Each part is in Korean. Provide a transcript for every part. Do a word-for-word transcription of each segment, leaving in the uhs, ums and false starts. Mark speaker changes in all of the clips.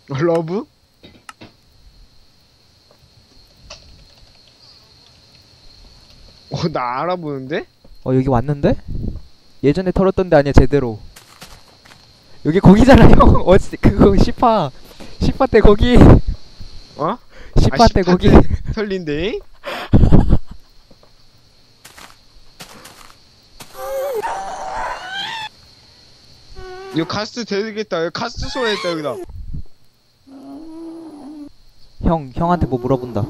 Speaker 1: 러브? 어, 나 알아보는데?
Speaker 2: 어 여기 왔는데? 예전에 털었던 데 아니야 제대로. 여기 거기잖아 형. 어찌 그거 시파 시파 때 거기.
Speaker 1: 어?
Speaker 2: 시파 때 거기.
Speaker 1: 털린데? 이거 가스 되겠다. 여기 가스 소환했다 여기다.
Speaker 2: 형 형한테 뭐 물어본다.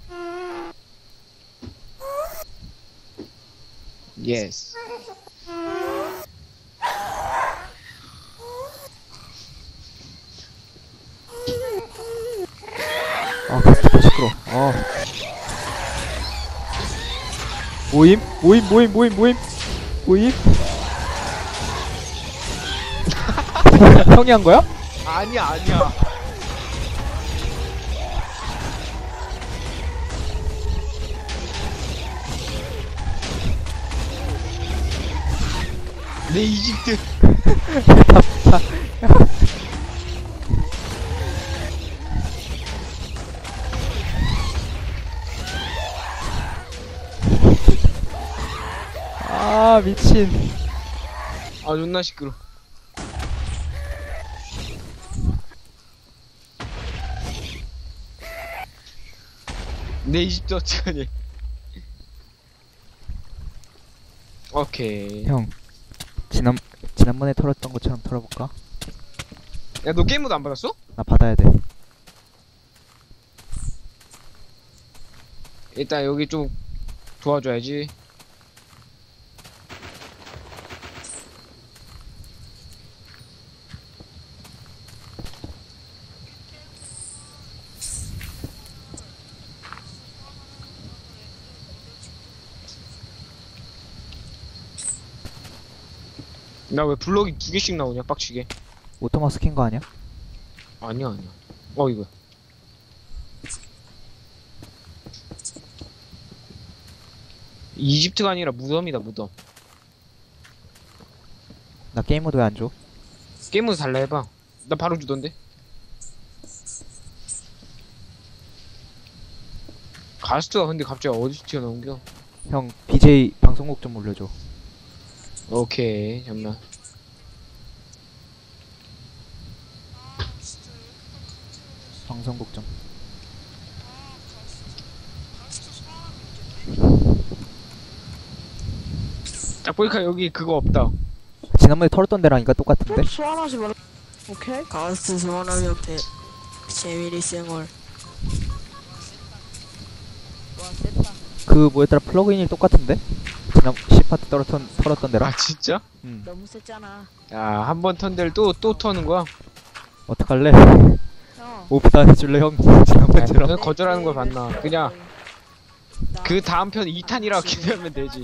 Speaker 1: 예스.
Speaker 2: 아 가스pa 시끄러. 어. 모임 모임 모임 모임 모임 모임. 형이 한 거야?
Speaker 1: 아니야 아니야. 내 이집트.
Speaker 2: 아 미친.
Speaker 1: 아 존나 시끄러. 내 이집트 어떡하니. 오케이.
Speaker 2: 형 지난 지난번에 털었던 것처럼 털어볼까?
Speaker 1: 야 너 게임 모드 안 받았어?
Speaker 2: 나 받아야 돼.
Speaker 1: 일단 여기 좀 도와줘야지. 나 왜 블럭이 두 개씩 나오냐 빡치게.
Speaker 2: 오토마스 킨 거 아니야?
Speaker 1: 아니야 아니야. 어 이거 이집트가 아니라 무덤이다 무덤.
Speaker 2: 나 게임 모드 왜 안 줘?
Speaker 1: 게임 모드 달라 해봐. 나 바로 주던데. 가스트가 근데 갑자기 어디서 튀어나온겨?
Speaker 2: 형 비제이 방송국 좀 올려줘.
Speaker 1: 오케이 잠만.
Speaker 2: 방송국 좀.
Speaker 1: 딱 보니까 여기 그거 없다.
Speaker 2: 지난번에 털었던 데랑이가 똑같은데?
Speaker 3: 소환하지 말라. 오케이. 가스트 소환하기 옆에 재미리 생얼.
Speaker 2: 그 뭐였더라 플러그인이 똑같은데? 지난 시파트 털었던 털었던 데랑?
Speaker 1: 아 진짜?
Speaker 2: 응.
Speaker 3: 너무 셌잖아.
Speaker 1: 야 한 번 턴 데를 또 또 터는 거야?
Speaker 2: 어떡할래?
Speaker 3: 형.
Speaker 2: 오프도 안 해줄래 형? 지난번처럼.
Speaker 1: 그냥 거절하는 걸 봤나? 그냥 그 다음 편 이 탄이라고 기대하면 되지.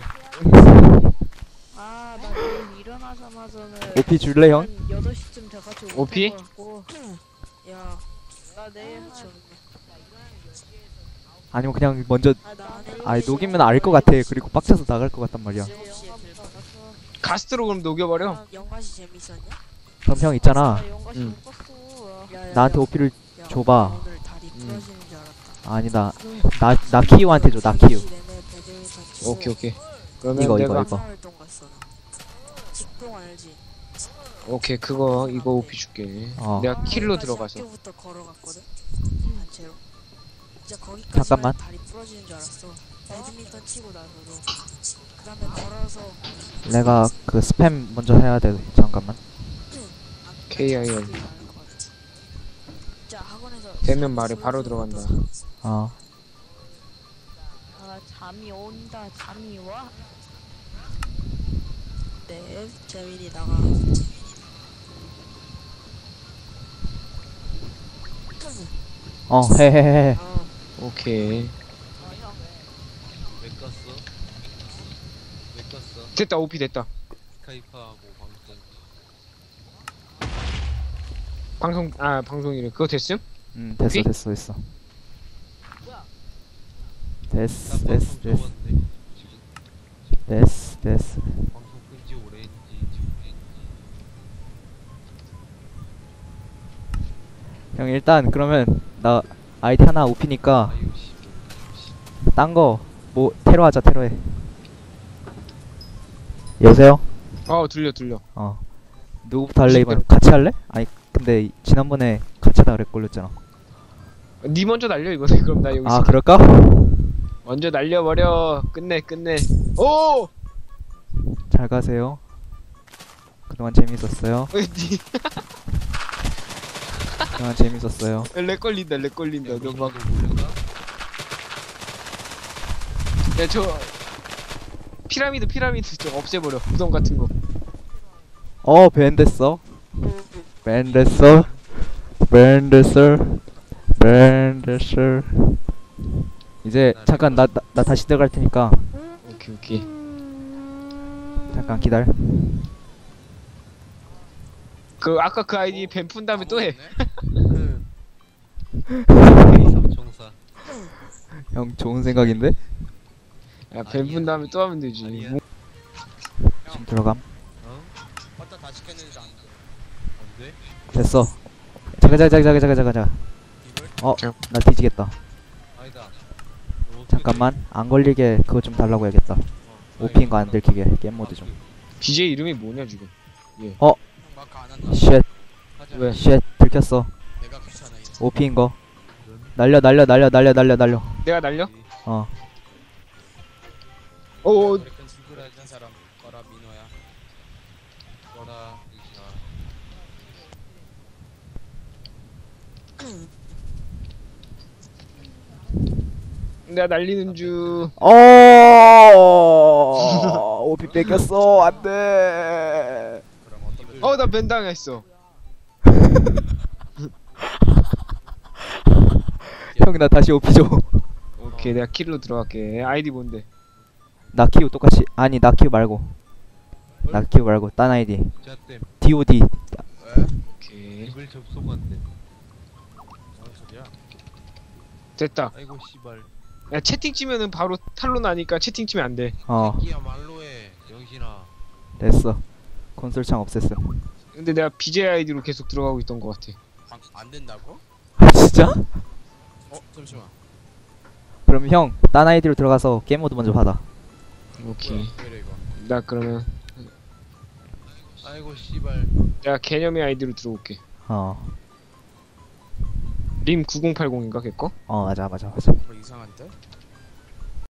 Speaker 3: 아, 나 내일 일어나자마자는
Speaker 2: 오피 줄래 형?
Speaker 3: 한 여덟 시쯤 돼가지고
Speaker 1: 오피?
Speaker 3: 못할 것 같고. 야, 나 내일 한
Speaker 2: 아니면 그냥 먼저
Speaker 3: 아, 나 내일
Speaker 2: 아이 녹이면 알 것 같아. 그리고 빡쳐서 나갈 것 같단 말이야.
Speaker 3: 일곱 시에 길 받아서.
Speaker 1: 가스트로 그럼 녹여버려.
Speaker 3: 아, 영화시 재밌었냐?
Speaker 2: 그럼 형 있잖아.
Speaker 3: 나 영화시
Speaker 1: 응.
Speaker 3: 못 봤어. 야, 야,
Speaker 2: 나한테
Speaker 3: 야.
Speaker 2: 오피를
Speaker 3: 야,
Speaker 2: 줘봐.
Speaker 3: 나 오늘 다리
Speaker 1: 응.
Speaker 3: 부러지는 줄 알았다.
Speaker 2: 아니다. 나 나키유한테 줘. 나키유.
Speaker 1: 오케이 오케이. 그러면
Speaker 2: 이거,
Speaker 1: 내가
Speaker 2: 이거, 이거.
Speaker 3: 활동 갔어. 나. 직동 알지?
Speaker 1: 오케이 그거 이거 오피 줄게.
Speaker 2: 어.
Speaker 1: 내가 킬로 들어가서.
Speaker 3: 학교부터 걸어갔거든. 단체로. 진짜 거기까지
Speaker 2: 잠깐만.
Speaker 3: 다리 부러지는 줄 알았어. 배드민턴 치고 나서도. 그다음에 걸어서.
Speaker 2: 내가 그 스팸 먼저 해야 돼. 잠깐만.
Speaker 1: 케이아이엘.
Speaker 3: 진짜 학원에서
Speaker 1: 되면 말해 바로 들어간다.
Speaker 2: 어.
Speaker 3: 아 잠이 온다. 잠이 와. 네, 재민이 나가.
Speaker 2: 어, 해해해.
Speaker 3: 어.
Speaker 1: 오케이.
Speaker 4: 왜 껐어? 왜 껐어?
Speaker 1: 됐다 오피 됐다.
Speaker 4: 스카이프하고 방송
Speaker 1: 방송 아 방송이래. 그거 됐음?
Speaker 2: 응, 됐어,
Speaker 1: 오피?
Speaker 2: 됐어, 됐어. 됐어,
Speaker 4: 나
Speaker 2: 됐어,
Speaker 4: 방송
Speaker 2: 됐어,
Speaker 4: 접었네 지금
Speaker 2: 됐어, 됐어.
Speaker 4: 방송 끈지 오래인지 지금
Speaker 2: 형 일단 그러면 나 아이디 하나 오피니까
Speaker 4: 아유 씨.
Speaker 2: 딴 거 뭐 테러 하자 테러해. 여보세요?
Speaker 1: 어 들려 들려.
Speaker 2: 어 누구부터 할래 이번? 같이 할래? 아니 근데 이- 지난번에 같이 하다 그랬 걸렸잖아.
Speaker 1: 니 먼저 날려 이거는. 그럼 나 여기
Speaker 2: 아
Speaker 1: 있을게.
Speaker 2: 그럴까?
Speaker 1: 먼저 날려버려. 끝내 끝내. 오!
Speaker 2: 잘 가세요. 그동안 재밌었어요.
Speaker 1: 니
Speaker 2: 그동안 재밌었어요.
Speaker 1: 렉 걸린다 렉 걸린다. 너 막.
Speaker 4: 너 몰랐나?
Speaker 1: 야저 피라미드 피라미드 좀 없애버려. 구덩 같은 거.
Speaker 2: 어 밴됐어. 밴됐어. 밴됐어. 밴됐어. 이제 잠깐 나, 나, 나 다시 들어갈 테니까
Speaker 1: 오케이 오케이.
Speaker 2: 잠깐 기다려.
Speaker 1: 그 아까 그 아이디 뱀 푼 다음에 또 해.
Speaker 4: 삼총사.
Speaker 2: 형 좋은 생각인데?
Speaker 1: 야 뱀 푼 다음에 또 하면 되지.
Speaker 4: 아니야.
Speaker 1: 뭐-
Speaker 2: 지금 들어감.
Speaker 4: 어?
Speaker 3: 왔다 다시 켰는데 안 돼.
Speaker 4: 안 돼?
Speaker 2: 됐어. 자가 자가 자가 자가 자가 자가.
Speaker 3: 이걸?
Speaker 2: 어,
Speaker 1: 자.
Speaker 2: 나 뒤지겠다.
Speaker 4: 아니다. 너 어떻게
Speaker 2: 잠깐만. 안 걸리게 그거 좀 달라고 해야겠다.
Speaker 4: 돼? 어,
Speaker 2: 오피인 거 안 들키게 게임 모드 좀.
Speaker 1: 비제이 이름이 뭐냐 지금?
Speaker 3: 마크 안 한다.
Speaker 2: 쉣,
Speaker 4: 하자.
Speaker 1: 왜?
Speaker 2: 쉣 들켰어.
Speaker 3: 내가 귀찮아 이제.
Speaker 2: 오피인 거.
Speaker 4: 이런
Speaker 2: 날려 날려 날려 날려 날려 날려.
Speaker 1: 내가 날려?
Speaker 2: 어.
Speaker 1: 오
Speaker 3: 아메리칸 친구라 했던 사람 꺼라 민호야.
Speaker 4: 거라 이시나.
Speaker 1: 내가 날리는 중.
Speaker 2: 어. 오피 뺏겼어. 안 돼.
Speaker 3: 그럼 어떤 걸?
Speaker 1: 어 나 벤 당했어.
Speaker 2: 형 나 다시 오피 줘.
Speaker 1: 오케이 내가 킬로 들어갈게. 아이디 뭔데?
Speaker 2: 나키우 똑같이 아니 나키우 말고. 나키우 말고 딴 아이디.
Speaker 4: 자땜
Speaker 2: 디오디.
Speaker 3: 왜?
Speaker 1: 오케이
Speaker 4: 입을 접속한대.
Speaker 3: 무슨 소리야?
Speaker 1: 됐다.
Speaker 4: 아이고 씨발.
Speaker 1: 야 채팅 치면은 바로 탈로 나니까 채팅 치면 안 돼.
Speaker 2: 어
Speaker 4: 새끼야 말로 해. 영신아.
Speaker 2: 됐어. 콘솔창 없앴어.
Speaker 1: 근데 내가 비제이 아이디로 계속 들어가고 있던 것 같아.
Speaker 3: 방, 안 된다고?
Speaker 2: 아 진짜?
Speaker 3: 어 잠시만.
Speaker 2: 그럼 형 딴 아이디로 들어가서 게임 모드 먼저 받아.
Speaker 1: 오케이.
Speaker 3: 뭐야? 왜 이래 이거?
Speaker 1: 나 그러면
Speaker 4: 아이고 씨발.
Speaker 1: 내가 개념의 아이디로 들어올게.
Speaker 2: 어.
Speaker 1: 림 구공팔공인가 걔 거?
Speaker 2: 어 맞아 맞아 맞아.
Speaker 3: 뭐 이상한데?